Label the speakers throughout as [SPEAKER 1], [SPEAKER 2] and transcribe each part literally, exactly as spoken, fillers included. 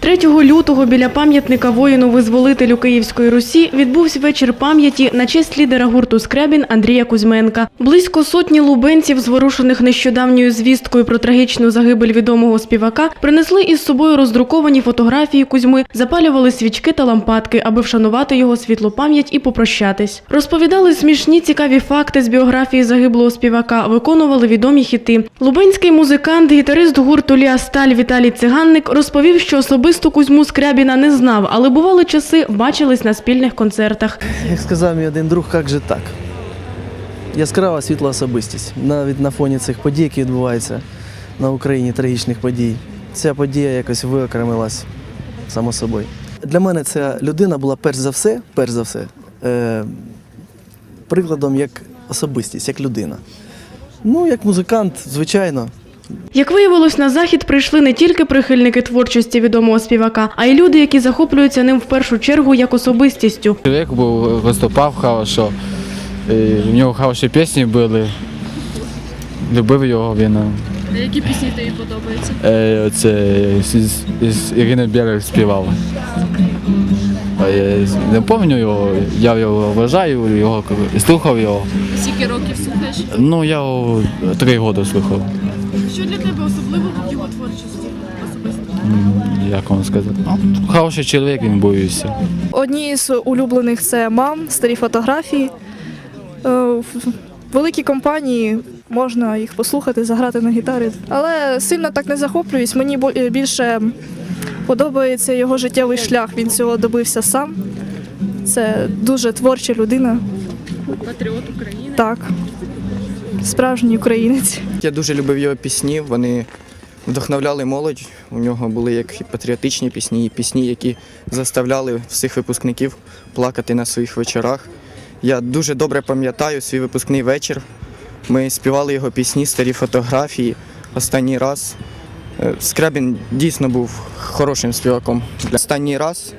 [SPEAKER 1] третього лютого біля пам'ятника воїну-визволителю Київської Русі відбувся вечір пам'яті на честь лідера гурту «Скрябін» Андрія Кузьменка. Близько сотні лубенців, зворушених нещодавньою звісткою про трагічну загибель відомого співака, принесли із собою роздруковані фотографії Кузьми, запалювали свічки та лампадки, аби вшанувати його світлу пам'ять і попрощатись. Розповідали смішні цікаві факти з біографії загиблого співака, виконували відомі хіти. Лубенський музикант, гітарист гурту «Ліа Сталь» Віталій Циганник розповів, що особисто Кузьму Скрябіна не знав, але бували часи, бачились на спільних концертах.
[SPEAKER 2] Як сказав мій один друг, як же так? Яскрава світла особистість. Навіть на фоні цих подій, які відбуваються на Україні, трагічних подій, ця подія якось виокремилась само собою. Для мене ця людина була перш за все, перш за все, е, прикладом як особистість, як людина. Ну, як музикант, звичайно.
[SPEAKER 1] Як виявилось, на захід прийшли не тільки прихильники творчості відомого співака, а й люди, які захоплюються ним в першу чергу як особистістю.
[SPEAKER 3] Чоловік був, виступав хорошо, в нього хороші пісні були, любив його він.
[SPEAKER 4] А які пісні тобі подобаються?
[SPEAKER 3] Е, це з, з Ірини Берег співала. Я не пам'ятаю його, я його вважаю, його, слухав його.
[SPEAKER 4] Скільки років слухаєш?
[SPEAKER 3] Ну, я його три роки слухав.
[SPEAKER 4] Що для тебе особливого в його творчості особисто?
[SPEAKER 3] Як вам сказати? Ну, хороший чоловік він був і все.
[SPEAKER 5] Одні з улюблених – це «Мам», старі фотографії. Е, В великій компанії можна їх послухати, заграти на гітарі. Але сильно так не захоплююсь. Мені більше подобається його життєвий шлях. Він цього добився сам. Це дуже творча людина.
[SPEAKER 4] Патріот України?
[SPEAKER 5] Так, справжній українець.
[SPEAKER 6] Я дуже любив його пісні, вони вдохновляли молодь. У нього були як і патріотичні пісні, і пісні, які заставляли всіх випускників плакати на своїх вечорах. Я дуже добре пам'ятаю свій випускний вечір. Ми співали його пісні, старі фотографії. Останній раз Скрябін дійсно був хорошим співаком. Останній раз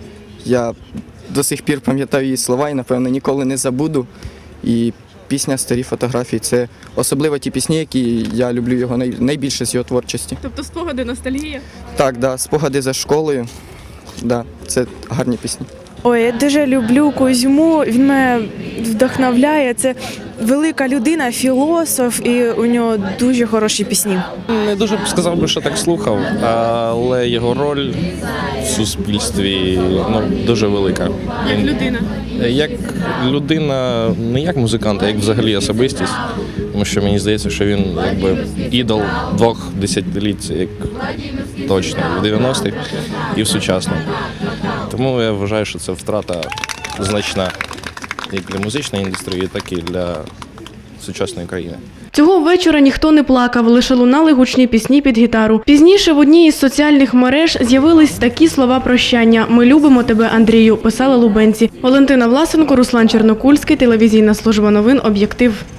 [SPEAKER 6] я до сих пір пам'ятаю її слова і, напевно, ніколи не забуду. І пісня «Старі фотографії» – це особливо ті пісні, які я люблю його найбільше з його творчості.
[SPEAKER 4] Тобто спогади, ностальгія?
[SPEAKER 6] Так, да, спогади за школою, да, це гарні пісні.
[SPEAKER 7] Ой, я дуже люблю Кузьму, він мене вдохновляє. Це велика людина, філософ, і у нього дуже хороші пісні.
[SPEAKER 8] Не дуже б сказав би, що так слухав, але його роль в суспільстві ну, дуже велика.
[SPEAKER 4] Як людина?
[SPEAKER 8] Як людина, не як музикант, а як взагалі особистість. Тому що мені здається, що він якби ідол двох десятиліть, як точно, в дев'яностих і в сучасному. Тому я вважаю, що це втрата значна як для музичної індустрії, так і для сучасної країни.
[SPEAKER 1] Цього вечора ніхто не плакав, лише лунали гучні пісні під гітару. Пізніше в одній із соціальних мереж з'явились такі слова прощання: «Ми любимо тебе, Андрію», писали лубенці. Валентина Власенко, Руслан Чернокульський, телевізійна служба новин «Об'єктив».